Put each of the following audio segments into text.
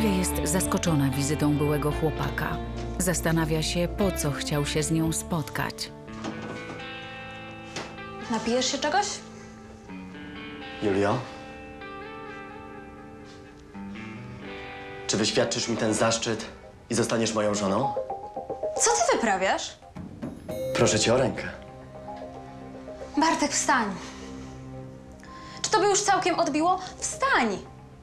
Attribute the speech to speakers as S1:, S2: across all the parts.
S1: Julia jest zaskoczona wizytą byłego chłopaka. Zastanawia się, po co chciał się z nią spotkać.
S2: Napijesz się czegoś?
S3: Julio? Czy wyświadczysz mi ten zaszczyt i zostaniesz moją żoną?
S2: Co ty wyprawiasz?
S3: Proszę cię o rękę.
S2: Bartek, wstań. Czy tobie już całkiem odbiło? Wstań!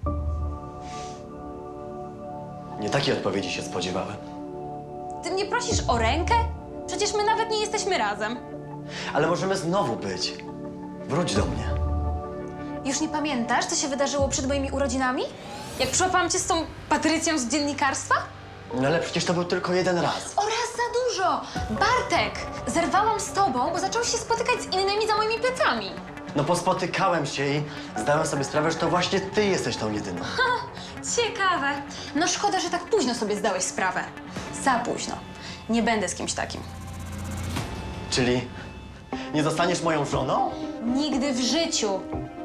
S3: Nie takiej odpowiedzi się spodziewałem.
S2: Ty mnie prosisz o rękę? Przecież my nawet nie jesteśmy razem.
S3: Ale możemy znowu być. Wróć do mnie.
S2: Już nie pamiętasz, co się wydarzyło przed moimi urodzinami? Jak przyłapałam cię z tą Patrycją z dziennikarstwa?
S3: No ale przecież to był tylko jeden raz.
S2: O, raz za dużo! Bartek! Zerwałam z tobą, bo zacząłeś się spotykać z innymi za moimi plecami.
S3: No pospotykałem się i zdałem sobie sprawę, że to właśnie ty jesteś tą jedyną.
S2: Ciekawe. No szkoda, że tak późno sobie zdałeś sprawę. Za późno. Nie będę z kimś takim.
S3: Czyli nie zostaniesz moją żoną?
S2: Nigdy w życiu.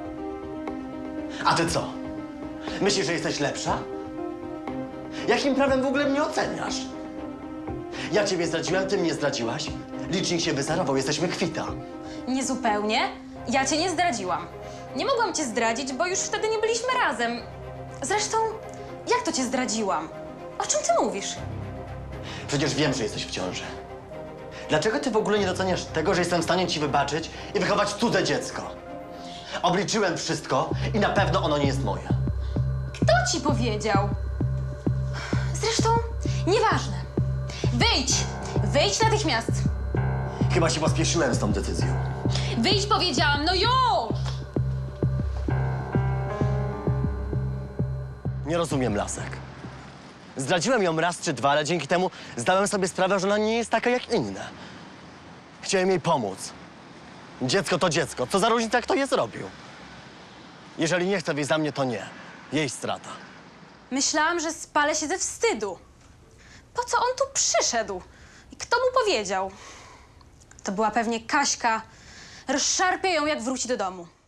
S3: A ty co? Myślisz, że jesteś lepsza? Jakim prawem w ogóle mnie oceniasz? Ja ciebie zdradziłem, ty mnie zdradziłaś. Licznik się wyzerował, jesteśmy kwita.
S2: Niezupełnie. Ja cię nie zdradziłam. Nie mogłam cię zdradzić, bo już wtedy nie byliśmy razem. Zresztą, jak to cię zdradziłam? O czym ty mówisz?
S3: Przecież wiem, że jesteś w ciąży. Dlaczego ty w ogóle nie doceniasz tego, że jestem w stanie ci wybaczyć i wychować cudze dziecko? Obliczyłem wszystko i na pewno ono nie jest moje.
S2: Kto ci powiedział? Zresztą, nieważne. Wyjdź! Wyjdź natychmiast!
S3: Chyba się pospieszyłem z tą decyzją.
S2: Wyjdź, powiedziałam, no już!
S3: Nie rozumiem, Lasek. Zdradziłem ją raz czy dwa, ale dzięki temu zdałem sobie sprawę, że ona nie jest taka jak inne. Chciałem jej pomóc. Dziecko to dziecko. Co za różnica, kto je zrobił? Jeżeli nie chce wyjść za mnie, to nie. Jej strata.
S2: Myślałam, że spalę się ze wstydu. Po co on tu przyszedł? I kto mu powiedział? To była pewnie Kaśka. Rozszarpię ją, jak wróci do domu.